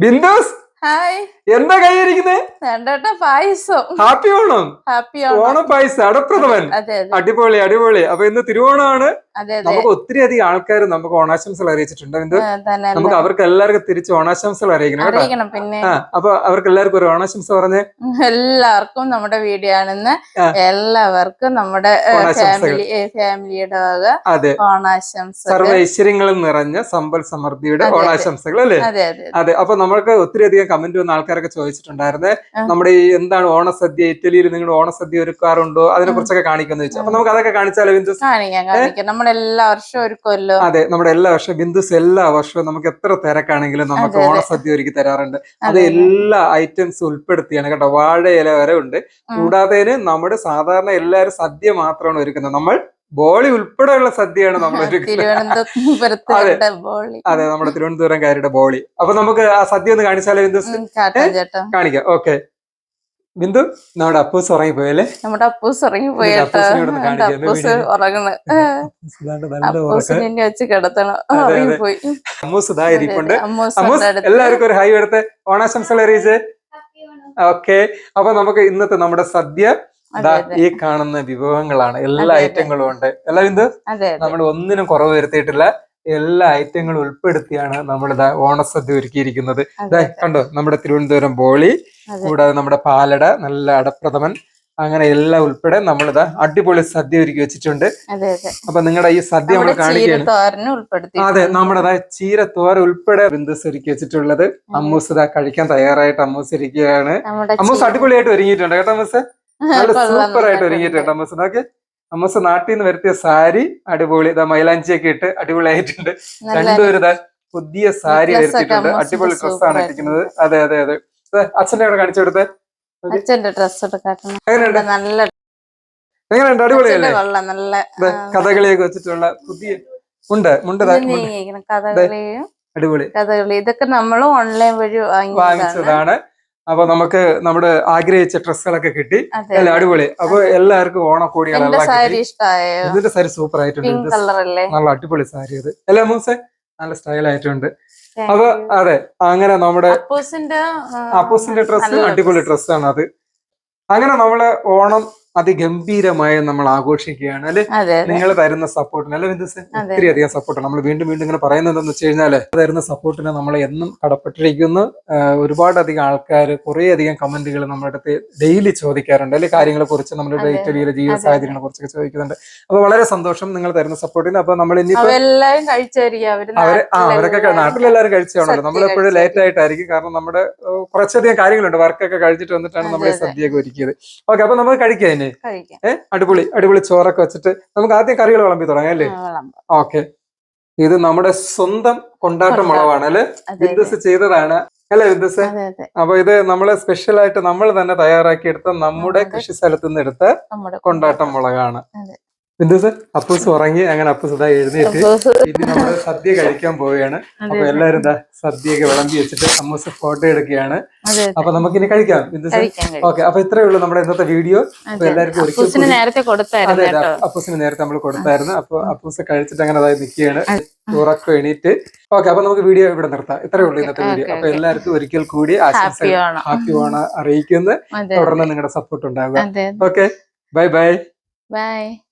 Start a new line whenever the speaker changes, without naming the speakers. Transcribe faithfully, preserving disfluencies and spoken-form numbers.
ബിന്ദുസ്
hi
എന്താ കൈയിരിക്കുന്നത്?
രണ്ടോട്ട പായസം.
ഹാപ്പി ഓണം.
ഹാപ്പി
ഓണം പായസം അടപ്രഥമൻ. അടിപൊളി അടിപൊളി. അപ്പൊ ഇന്ന് തിരുവോണമാണ്. നമുക്ക് ഒത്തിരി അധികം ആൾക്കാർ നമുക്ക് ഓണാശംസകൾ അറിയിച്ചിട്ടുണ്ട്. എന്ത് നമുക്ക് അവർക്ക് എല്ലാവർക്കും തിരിച്ച് ഓണാശംസകൾ അറിയിക്കണം കേട്ടോ.
പിന്നെ
അപ്പൊ അവർക്ക് എല്ലാവർക്കും ഒരു ഓണാശംസ പറഞ്ഞേ.
എല്ലാവർക്കും നമ്മുടെ വീഡിയോ ആണെന്ന് എല്ലാവർക്കും നമ്മുടെ ഫാമിലി ഫാമിലിയുടെ വക
അതെ
ഓണാശംസ.
സർവ്വ ഐശ്വര്യങ്ങളും നിറഞ്ഞ സമ്പൽ സമൃദ്ധിയുടെ ഓണാശംസകൾ അല്ലേ? അതെ. അപ്പൊ നമ്മൾക്ക് ഒത്തിരി അധികം കമന്റ് വന്ന ആൾക്കാരൊക്കെ ചോദിച്ചിട്ടുണ്ടായിരുന്നേ, നമ്മുടെ ഈ എന്താണ് ഓണസദ്യ, ഇറ്റലിയിൽ നിങ്ങൾ ഓണസദ്യ ഒരുക്കാറുണ്ടോ, അതിനെ കുറിച്ചൊക്കെ കാണിക്കുന്നു ചോദിച്ചു. അപ്പൊ നമുക്ക് അതൊക്കെ കാണിച്ചാലോ ബിന്ദുസ്?
നമ്മുടെ എല്ലാ വർഷവും ഒരുക്കുമല്ലോ.
അതെ, നമ്മുടെ എല്ലാ വർഷവും ബിന്ദുസ് എല്ലാ വർഷവും നമുക്ക് എത്ര തിരക്കാണെങ്കിലും നമുക്ക് ഓണസദ്യ ഒരുക്കി തരാറുണ്ട്. അത് എല്ലാ ഐറ്റംസ് ഉൾപ്പെടുത്തിയാണ് കേട്ടോ. വാഴയില വരെ ഉണ്ട്. കൂടാതെ നമ്മുടെ സാധാരണ എല്ലാവരും സദ്യ മാത്രമാണ് ഒരുക്കുന്നത്. നമ്മൾ ബോളി ഉൾപ്പെടെയുള്ള സദ്യയാണ് നമ്മൾ
തിരുവനന്തപുരത്ത്.
അതെ, നമ്മുടെ തിരുവനന്തപുരംകാരുടെ ബോളി. അപ്പൊ നമുക്ക് ആ സദ്യ ഒന്ന് കാണിച്ചാലോ ബിന്ദുസ്? കാണിക്കാം. ഓക്കെ ബിന്ദു, നമ്മുടെ അപ്പൂസ് ഉറങ്ങി പോയല്ലേ?
നമ്മുടെ അപ്പൂസ് ഉറങ്ങി പോയി.
എല്ലാവർക്കും ഒരു ഹൈ എടുത്ത് ഓണാശംസകൾ അറിയിച്ചേ. ഓക്കെ, അപ്പൊ നമുക്ക് ഇന്നത്തെ നമ്മുടെ സദ്യ ഈ കാണുന്ന വിഭവങ്ങളാണ്. എല്ലാ ഐറ്റങ്ങളും ഉണ്ട്. അല്ല ബിന്ദു? നമ്മൾ ഒന്നിനും കുറവ് വരുത്തിയിട്ടില്ല. എല്ലാ ഐറ്റങ്ങളും ഉൾപ്പെടുത്തിയാണ് നമ്മളിതാ ഓണസദ്യ ഒരുക്കിയിരിക്കുന്നത്. കണ്ടോ, നമ്മുടെ തിരുവനന്തപുരം ബോളി, കൂടാതെ നമ്മുടെ പാലട, നല്ല അടപ്രഥമൻ, അങ്ങനെ എല്ലാം ഉൾപ്പെടെ നമ്മളിതാ അടിപൊളി സദ്യ ഒരുക്കി വെച്ചിട്ടുണ്ട്. അപ്പൊ നിങ്ങളുടെ ഈ സദ്യ നമ്മൾ കാണിക്കുകയാണ്. അതെ, നമ്മുടെ ചീരത്തോര ഉൾപ്പെടെ ബിന്ദുസ് ഒരുക്കി വെച്ചിട്ടുള്ളത്. അമ്മൂസ് ഇതാ കഴിക്കാൻ തയ്യാറായിട്ട് അമ്മൂസ് ഇരിക്കുകയാണ്. അമ്മൂസ് അടിപൊളിയായിട്ട് ഒരുങ്ങിയിട്ടുണ്ട് കേട്ടോ. അമ്മൂസ് നല്ല സൂപ്പർ ആയിട്ട് ഒരുങ്ങിയിട്ടുണ്ട്. അമ്മൂസ് നോക്കെ, അമ്മൂസ് നാട്ടിൽ നിന്ന് വരുത്തിയ സാരി അടിപൊളി, ഇതാ മൈലാഞ്ചിയൊക്കെ ഇട്ട് അടിപൊളിയായിട്ടുണ്ട്. രണ്ടുപേരും ഇതാ പുതിയ സാരി വരുത്തിയിട്ടുണ്ട്. അടിപൊളി ഡ്രസ്സാണ് ഇട്ടിരിക്കുന്നത്. അതെ അതെ അതെ. അച്ഛന്റെ അവിടെ കാണിച്ചു കൊടുത്തേ. എങ്ങനെയുണ്ട്? എങ്ങനെയുണ്ട്? അടിപൊളിയല്ലേ? കഥകളിയൊക്കെ വെച്ചിട്ടുള്ള പുതിയ ഉണ്ട് മുണ്ട്. അടിപൊളി.
ഇതൊക്കെ നമ്മൾ ഓൺലൈൻ വഴി
വാങ്ങിച്ചതാണ്. അപ്പൊ നമുക്ക് നമ്മുടെ ആഗ്രഹിച്ച ഡ്രസ്സുകളൊക്കെ കിട്ടി. അല്ല അടിപൊളി. അപ്പൊ എല്ലാവർക്കും ഓണക്കോടികളെല്ലാം ഇതിന്റെ സാരി സൂപ്പർ ആയിട്ടുണ്ട്. നല്ല അടിപൊളി സാരി അത്. അല്ലേ മൂസേ? നല്ല സ്റ്റൈൽ ആയിട്ടുണ്ട്. അപ്പൊ അതെ, അങ്ങനെ നമ്മുടെ അപ്പൂസിന്റെ ഡ്രസ്സ് അടിപൊളി ഡ്രസ്സാണ് അത്. അങ്ങനെ നമ്മള് ഓണം അതിഗംഭീരമായി നമ്മൾ ആഘോഷിക്കുകയാണ് അല്ലെ? നിങ്ങൾ തരുന്ന സപ്പോർട്ടിന് അല്ലെ ബിന്ദുസ്? ഒത്തിരി അധികം സപ്പോർട്ടാണ്. നമ്മൾ വീണ്ടും വീണ്ടും ഇങ്ങനെ പറയുന്നത് എന്താണെന്ന് വെച്ച് കഴിഞ്ഞാല് തരുന്ന സപ്പോർട്ടിന് നമ്മൾ എന്നും കടപ്പെട്ടിരിക്കുന്നു. ഒരുപാട് അധികം ആൾക്കാർ കുറെ അധികം കമന്റുകൾ നമ്മുടെ അടുത്ത് ഡെയിലി ചോദിക്കാറുണ്ട് അല്ലെ, കാര്യങ്ങളെ കുറിച്ച്, നമ്മുടെ ഇറ്റലിയിലെ ജീവിത സാഹചര്യങ്ങളെ കുറിച്ചൊക്കെ ചോദിക്കുന്നുണ്ട്. അപ്പൊ വളരെ സന്തോഷം നിങ്ങൾ തരുന്ന സപ്പോർട്ടിന്. അപ്പൊ നമ്മൾ ഇനിയിപ്പോ അവര് ആ അവരൊക്കെ നാട്ടിലെല്ലാവരും കഴിച്ചാണല്ലോ. നമ്മളെപ്പോഴും ലേറ്റ് ആയിട്ടായിരിക്കും, കാരണം നമ്മുടെ കുറച്ചധികം കാര്യങ്ങളുണ്ട്. വർക്കൊക്കെ കഴിച്ചിട്ട് വന്നിട്ടാണ് നമ്മൾ ഈ സദ്യയൊക്കെ ഒരുക്കിയത്. ഓക്കെ, അപ്പൊ നമുക്ക് കഴിക്കാം. ഏഹ് അടിപൊളി അടിപൊളി ചോറൊക്കെ വെച്ചിട്ട് നമുക്ക് ആദ്യം കറികൾ വിളമ്പി തുടങ്ങാം അല്ലേ? ഓക്കെ, ഇത് നമ്മുടെ സ്വന്തം കൊണ്ടാട്ട മുളകാണ് അല്ലെ? ബിന്ദുസ് ചെയ്തതാണ് അല്ലെ ബിന്ദുസ്? അപ്പൊ ഇത് നമ്മള് സ്പെഷ്യൽ ആയിട്ട് നമ്മൾ തന്നെ തയ്യാറാക്കി എടുത്ത നമ്മുടെ കൃഷി സ്ഥലത്ത് നിന്ന് എടുത്ത കൊണ്ടാട്ടം മുളകാണ്. ബിന്ദുസ്, അപ്പൂസ് ഉറങ്ങി. അങ്ങനെ അപ്പൂസ് ഇതാ എഴുന്നേറ്റ് ഇനി നമ്മള് സദ്യ കഴിക്കാൻ പോവുകയാണ്. അപ്പൊ എല്ലാരും ഇതാ സദ്യയൊക്കെ വിളമ്പി വെച്ചിട്ട് അമ്മൂസ് ഫോട്ടോ എടുക്കുകയാണ്. അപ്പൊ നമുക്കിനി കഴിക്കാം ബിന്ദുസ്. ഓക്കെ, അപ്പൊ ഇത്രയേ ഉള്ളൂ നമ്മുടെ ഇന്നത്തെ വീഡിയോ. അപ്പൊ എല്ലാവർക്കും അതെ അതെ അപ്പൂസിന് നേരത്തെ നമ്മൾ കൊടുത്തായിരുന്നു. അപ്പൊ അപ്പൂസ് കഴിച്ചിട്ട് അങ്ങനെ അതായത് നിൽക്കുകയാണ്, ഉറക്കം എണീറ്റ്. ഓക്കെ, അപ്പൊ നമുക്ക് വീഡിയോ ഇവിടെ നിർത്താം. ഇത്രയേ ഉള്ളൂ ഇന്നത്തെ വീഡിയോ. അപ്പൊ എല്ലാവർക്കും ഒരിക്കൽ കൂടി ആശംസകൾ, ഹാപ്പി ഓണം അറിയിക്കുന്ന. തുടർന്ന് നിങ്ങളുടെ സപ്പോർട്ട് ഉണ്ടാവുക. Okay, bye bye.
Bye.